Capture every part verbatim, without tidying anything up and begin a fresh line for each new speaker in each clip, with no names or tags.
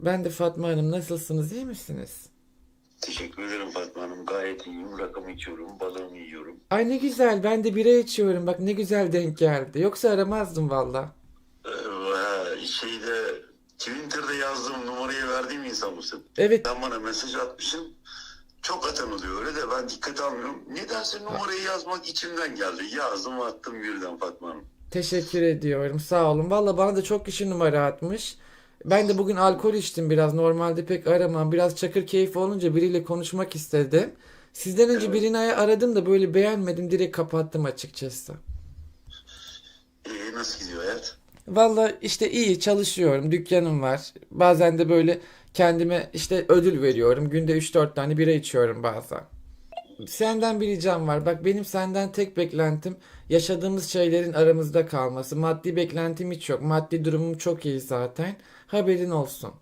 Ben de Fatma Hanım. Nasılsınız? İyi misiniz?
Teşekkür ederim Fatma Hanım. Gayet iyiyim. Rakımı içiyorum, balığımı yiyorum.
Ay ne güzel. Ben de bira içiyorum. Bak ne güzel denk geldi. Yoksa aramazdım valla.
Ee, şeyde Twitter'da yazdığım numarayı verdiğim insan mısın?
Evet.
Sen bana mesaj atmışsın. Çok atan oluyor öyle de ben dikkat almıyorum. Nedense numarayı yazmak içimden geldi. Yazdım attım birden Fatma Hanım.
Teşekkür ediyorum. Sağ olun. Valla bana da çok kişi numara atmış. Ben de bugün alkol içtim biraz. Normalde pek aramam. Biraz çakır keyfi olunca biriyle konuşmak istedim. Sizden önce
Evet.
birini aradım da böyle beğenmedim. Direkt kapattım açıkçası.
Ee, nasıl gidiyor hayat?
Valla işte iyi çalışıyorum. Dükkanım var. Bazen de böyle kendime işte ödül veriyorum. Günde üç dört tane bira içiyorum bazen. Senden bir ricam var. Bak benim senden tek beklentim yaşadığımız şeylerin aramızda kalması. Maddi beklentim hiç yok. Maddi durumum çok iyi zaten. Haberin olsun.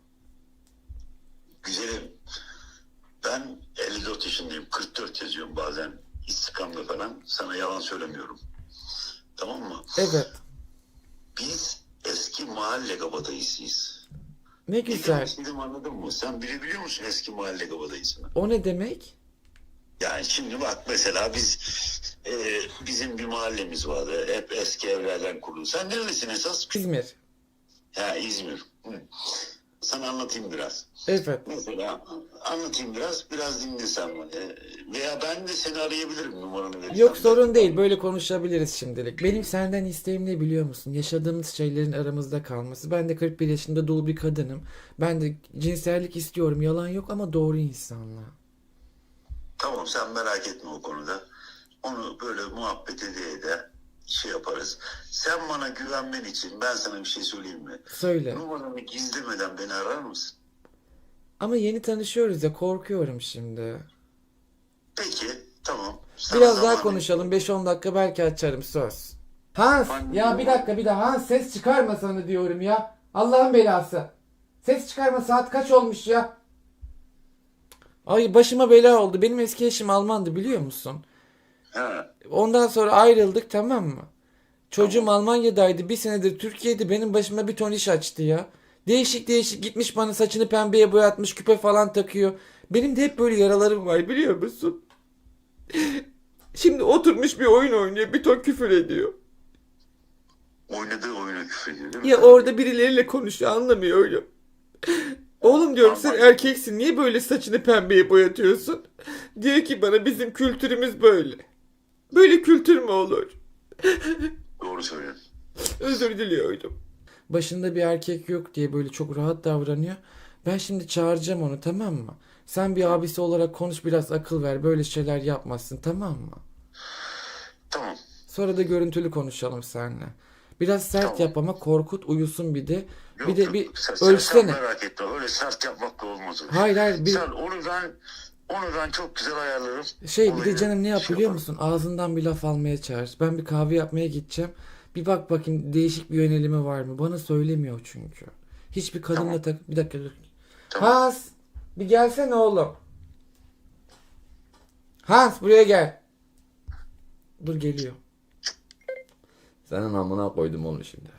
Güzelim. Ben elli dört yaşındayım. kırk dört yazıyorum bazen istikamda falan. Sana yalan söylemiyorum. Tamam mı?
Evet.
Biz eski mahalle kabadayısıyız.
Ne
Ne demek
güzel.
istediğimi anladın mı? Sen bile biliyor musun eski mahalle kabadayısını?
O ne demek?
Yani şimdi bak mesela biz e, bizim bir mahallemiz vardı. Hep eski evlerden kurulu. Sen nerelisin esas?
İzmir.
Ha, İzmir. Hı. Sana anlatayım biraz.
Evet.
Mesela anlatayım biraz. Biraz dinle sen bana. Veya ben de seni arayabilirim numaranı
Yok
verirsen
sorun
de.
değil. Böyle konuşabiliriz şimdilik. Benim senden isteğim ne biliyor musun? Yaşadığımız şeylerin aramızda kalması. Ben de kırk bir yaşında dul bir kadınım. Ben de cinsellik istiyorum. Yalan yok ama doğru insanla.
Tamam sen merak etme o konuda. Onu böyle muhabbet ede ede şey yaparız. Sen bana güvenmen için ben sana bir şey söyleyeyim mi?
Söyle.
Numaranı gizlemeden beni arar mısın?
Ama yeni tanışıyoruz ya korkuyorum şimdi.
Peki tamam. Sana
Biraz daha
zamanı
konuşalım. beş on dakika belki açarım söz. Hans ya bir dakika bir daha Hans ses çıkarma sana diyorum ya. Allah'ın belası. Ses çıkarma saat kaç olmuş ya? Ay başıma bela oldu. Benim eski eşim Almandı biliyor musun?
Ha,
Ondan sonra ayrıldık tamam mı? Çocuğum
tamam.
Almanya'daydı. Bir senedir Türkiye'de benim başıma bir ton iş açtı ya. Değişik değişik gitmiş bana saçını pembeye boyatmış küpe falan takıyor. Benim de hep böyle yaralarım var biliyor musun? Şimdi oturmuş bir oyun oynuyor bir ton küfür ediyor.
Oynadığı oyuna küfrediyor değil mi
Ya
sana?
orada birileriyle konuşuyor anlamıyorum. Oğlum diyorum sen
Alman.
erkeksin niye böyle saçını pembeye boyatıyorsun? Diyor ki bana bizim kültürümüz böyle. Böyle kültür mü olur?
Doğru söylüyorsun.
Özür diliyorum. Başında bir erkek yok diye böyle çok rahat davranıyor. Ben şimdi çağıracağım onu tamam mı? Sen bir
Tamam.
abisi olarak konuş biraz akıl ver böyle şeyler yapmazsın tamam mı?
Tamam.
Sonra da görüntülü konuşalım seninle. Biraz sert
Tamam.
yap ama korkut uyusun bir de. Bir
Yok
de
yok.
bir
Sen, sen, sen
ölçsene.
merak etme. Öyle sert yapmakla olmaz o iş.
Hayır hayır bir
Sen onu ben onu ben çok güzel ayarlarım.
şey bir de
Olayı
canım ne yap
şey
biliyor
yaparım.
musun? Ağzından bir laf almaya çağır. Ben bir kahve yapmaya gideceğim. Bir bak bakayım değişik bir yönelimi var mı? Bana söylemiyor çünkü. Hiçbir
Tamam.
kadınla tak... Bir dakika dur.
Tamam.
Hans bir gelsene oğlum. Hans buraya gel. Dur geliyor. Senin amına koydum onu şimdi.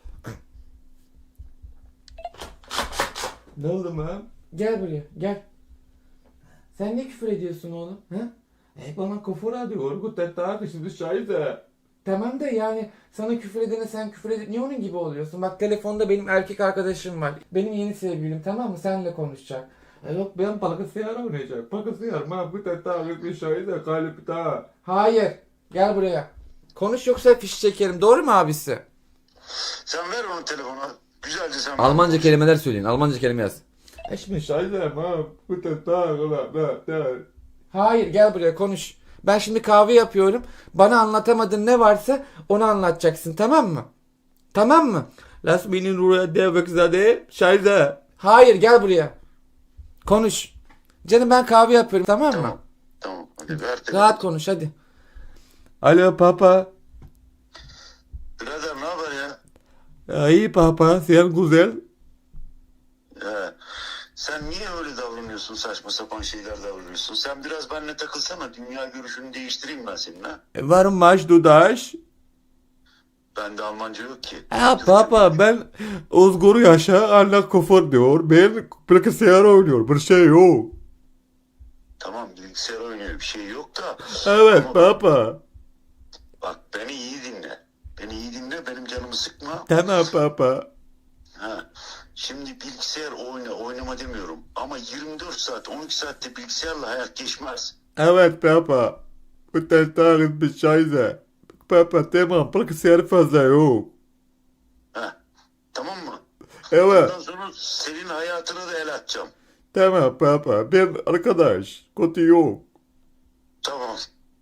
Ne oldu lan? Gel buraya gel. Sen ne küfür ediyorsun oğlum? Ha? E bana küfür ediyor. Guttet daha şimdi şahide. Tamam da yani sana küfür edene sen küfür edip niye onun gibi oluyorsun? Bak telefonda benim erkek arkadaşım var. Benim yeni sevgilim tamam mı? Seninle konuşacak. E yok ben bilgisayar oynayacak. Bilgisayar ma guttet daha bir şahide kalip daha. Hayır. Gel buraya. Konuş yoksa fiş çekerim. Doğru mu abisi?
Sen ver onu telefona. Güzelce sen bana
Almanca
konuş.
kelimeler söyleyin. Almanca kelime yaz. Ich bin scheiße, ma guten Tag, bla bla bla. Hayır gel buraya konuş. Ben şimdi kahve yapıyorum. Bana anlatamadığın ne varsa onu anlatacaksın tamam mı? Tamam mı? Lass mich in Ruhe, der Wechsel, Scheiße. Hayır gel buraya. Konuş. Canım ben kahve yapıyorum tamam mı?
Tamam. Tamam. Hadi ver telefonu.
Rahat konuş hadi. Alo papa.
Birader ne haber ya?
İyi papa, sen güzel.
He. Sen niye öyle davranıyorsun? Saçma sapan şeyler davranıyorsun. Sen biraz benimle takılsana. Dünya görüşünü değiştireyim ben senin ha.
Warum machst du das?
Bende Almanca yok ki.
Ha
Türkçe
baba
var.
ben Özgür Yaşa anne kofur diyor. Ben bilgisayar oynuyor. Bir şey yok.
Tamam bilgisayar oynuyor bir şey yok da.
Evet
Ama bak,
baba.
bak beni iyi dinle. Beni iyi dinle benim canımı sıkma.
Tamam baba.
Ha. Şimdi bilgisayar oyna oynama demiyorum. Ama yirmi dört saat on iki saatte bilgisayarla hayat geçmez.
Evet baba. Bu testlerin bir şeyse. Baba tamam bilgisayar fazla yok.
Ha. Tamam mı?
Evet.
Ondan sonra senin hayatına da el atacağım.
Tamam baba. Ben arkadaş. Kötü yok.
Tamam.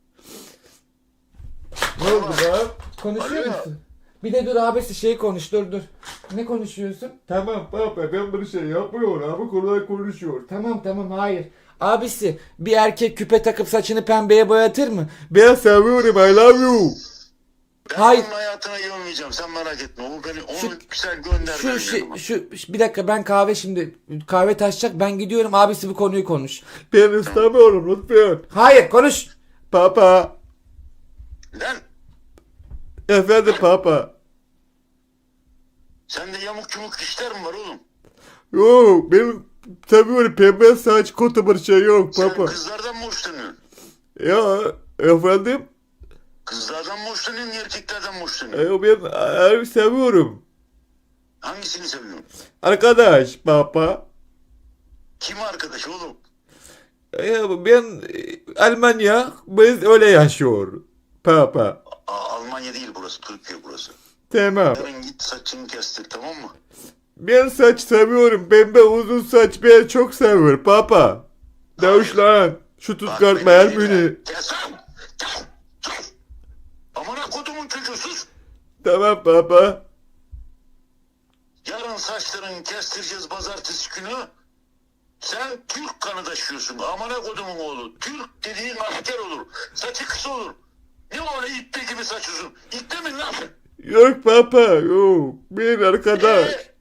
Ne oldu be? Konuşuyor
Alo.
musun? Bir de dur abisi şey konuş dur dur. Ne konuşuyorsun?
Tamam baba ben bir şey yapmıyorum. Abi kolay konuşuyor.
Tamam tamam hayır. Abisi bir erkek küpe takıp saçını pembeye boyatır mı?
Ben seviyorum. I love you.
Ben
Hayır.
onun hayatına girmeyeceğim. Sen merak etme. O beni onu
Şu-
güzel gönder
Şu,
benim
şu,
yanıma.
şu, şu- bir dakika ben kahve şimdi kahve taşacak ben gidiyorum abisi bu konuyu konuş.
Ben istemiyorum lütfen.
Hayır konuş.
Papa.
Lan
Efendim papa.
sende yamuk yumuk dişler mi var oğlum?
Yok ben seviyorum pembe saç kötü bir şey yok
Sen
papa.
kızlardan mı hoşlanıyorsun?
Ya efendim
Kızlardan mı hoşlanıyorsun erkeklerden mi hoşlanıyorsun?
e, ben e, seviyorum.
Hangisini seviyorsun?
Arkadaş papa.
Kim arkadaş oğlum?
E, ben e, Almanya biz öyle yaşıyor. Papa.
Aa, Almanya değil burası Türkiye burası.
Tamam.
Yarın git saçını kestir tamam mı?
Ben saç seviyorum. Pembe uzun saç ben çok seviyorum papa. Deutschland. Şu
Bak
Stuttgart
beni
Bayern
dinle.
Münih.
Kes lan! Kes! Kes! Amına kodumun çocuğu sus!
Tamam papa.
Yarın saçlarını kestireceğiz pazartesi günü. Sen Türk kanı taşıyorsun. Amına kodumun oğlu. Türk dediğin asker olur. Saçı kısa olur. Ne öyle iple gibi saç uzun? İple mi lan?
Yok papa yok. Ben arkadaş.
Ee,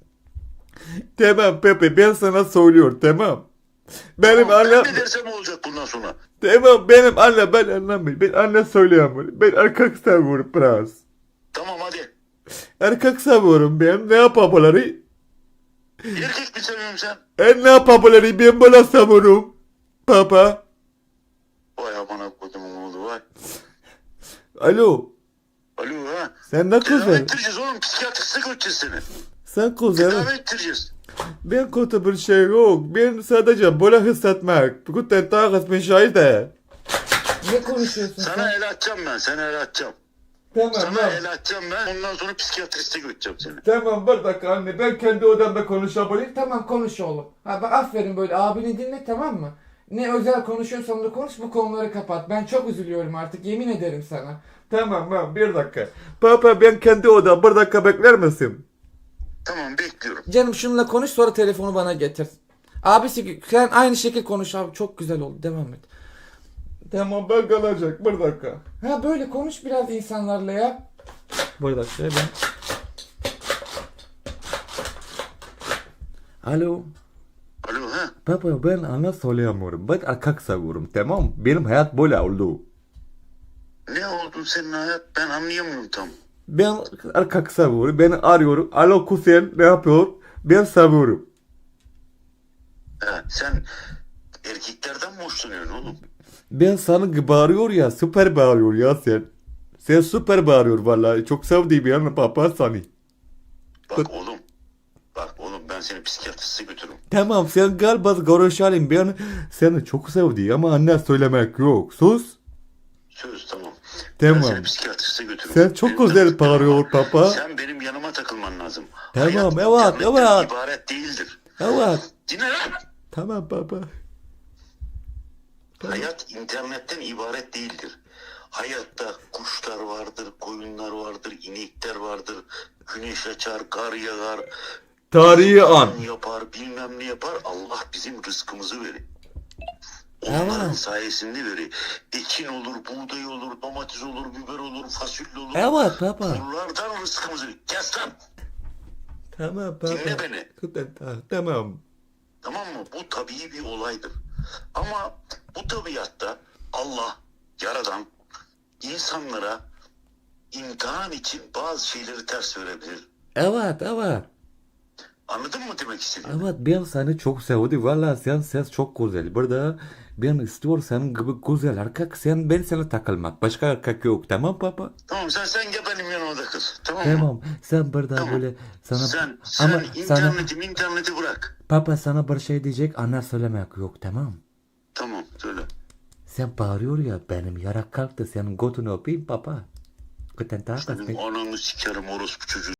Tamam Pepe ben sana söylüyorum tamam. Benim
tamam,
annem
ben ne dersem olacak bundan sonra.
tamam benim anne ben anlamıyorum. Ben anne söyleyemiyorum. Ben erkek seviyorum biraz.
Tamam hadi.
Erkek seviyorum ben. Ne yapabilirim?
Erkek mi seviyorsun sen?
En ne yapabilirim? Ben böyle seviyorum. Papa.
Vay amına kodumun oğlu vay.
Alo.
Alo ha.
Sen ne
Tedavi
güzel.
ettireceğiz oğlum. Psikiyatriste götüreceğiz seni.
Sen güzel.
Tedavi ettireceğiz.
Ben kötü bir şey yok. Ben sadece böyle hissetmek. Guten Tag bir şey de.
Ne konuşuyorsun
Sana
sen?
el atacağım ben. Sana el atacağım.
Tamam
Sana
tamam.
el atacağım ben. Ondan sonra psikiyatriste götüreceğim seni.
Tamam bir dakika anne. Ben kendi odamda konuşabilirim.
Tamam konuş oğlum. Ha, bak, aferin böyle abini dinle tamam mı? Ne özel konuşuyorsan da konuş bu konuları kapat. Ben çok üzülüyorum artık yemin ederim sana.
Tamam tamam bir dakika. Papa ben kendi odam bir dakika bekler misin?
Tamam bekliyorum.
Canım şununla konuş sonra telefonu bana getir. Abisi sen aynı şekil konuş abi çok güzel oldu devam et.
Tamam ben kalacak bir dakika.
Ha böyle konuş biraz insanlarla ya.
Bir dakika ben. Alo.
Alo ha.
Papa ben ana söyleyemiyorum. Ben erkek seviyorum tamam. Benim hayat böyle oldu.
Ne oldu senin hayat? Ben anlayamıyorum tam.
Ben erkek seviyorum. Beni arıyor. Alo kuzen ne yapıyor? Ben seviyorum.
Ha, sen erkeklerden mi hoşlanıyorsun oğlum?
Ben sana bağırıyor ya. Süper bağırıyor ya sen. Sen süper bağırıyor vallahi. Çok sevdiğim yani papa seni.
Bak oğlum. Bak oğlum ben seni psikiyatriste götürürüm.
Tamam sen gel biz görüşelim. Ben seni çok sevdim ama anne söylemek yok. Sus.
Söz tamam.
Tamam.
Ben seni psikiyatriste götürürüm.
Sen çok
Benim
güzel
tanıdıklarım
bağırıyor
var.
papa.
Sen benim yanıma takılman lazım.
Tamam,
Hayat
evet,
internetten
evet.
ibaret değildir.
Evet.
Dinle lan.
Tamam baba.
Hayat internetten ibaret değildir. Hayatta kuşlar vardır, koyunlar vardır, inekler vardır. Güneş açar, kar yağar.
Tarihi an.
Yapar, bilmem ne yapar. Allah bizim rızkımızı verir. Onların
Evet.
sayesinde verir. Ekin olur, buğday olur, domates olur, biber olur, fasulye olur.
Evet baba.
Bunlardan rızkımızı verir. Kes lan.
Tamam baba.
Dinle beni.
Tamam.
Tamam mı? Bu tabii bir olaydır. Ama bu tabiatta Allah, Yaradan insanlara imtihan için bazı şeyleri ters verebilir.
Evet, evet.
Anladın mı demek istediğimi?
Evet, ben seni çok sevdim. Valla sen ses çok güzel. Burada ben istiyorum senin gibi güzel erkek. Sen, ben sana takılmak. Başka erkek yok. Tamam baba?
Tamam sen sen gel benim yanımda kal. Tamam mı?
Tamam. Sen burada
Tamam.
böyle sana...
Sen, sen
Ama sana...
interneti interneti bırak.
Papa sana bir şey diyecek. Ana söylemek yok. Tamam.
Tamam söyle.
Sen bağırıyor ya, benim yarak kalktı. Senin götünü öpeyim papa. Guten Tag.
Senin ananı sikerim orospu çocuğu.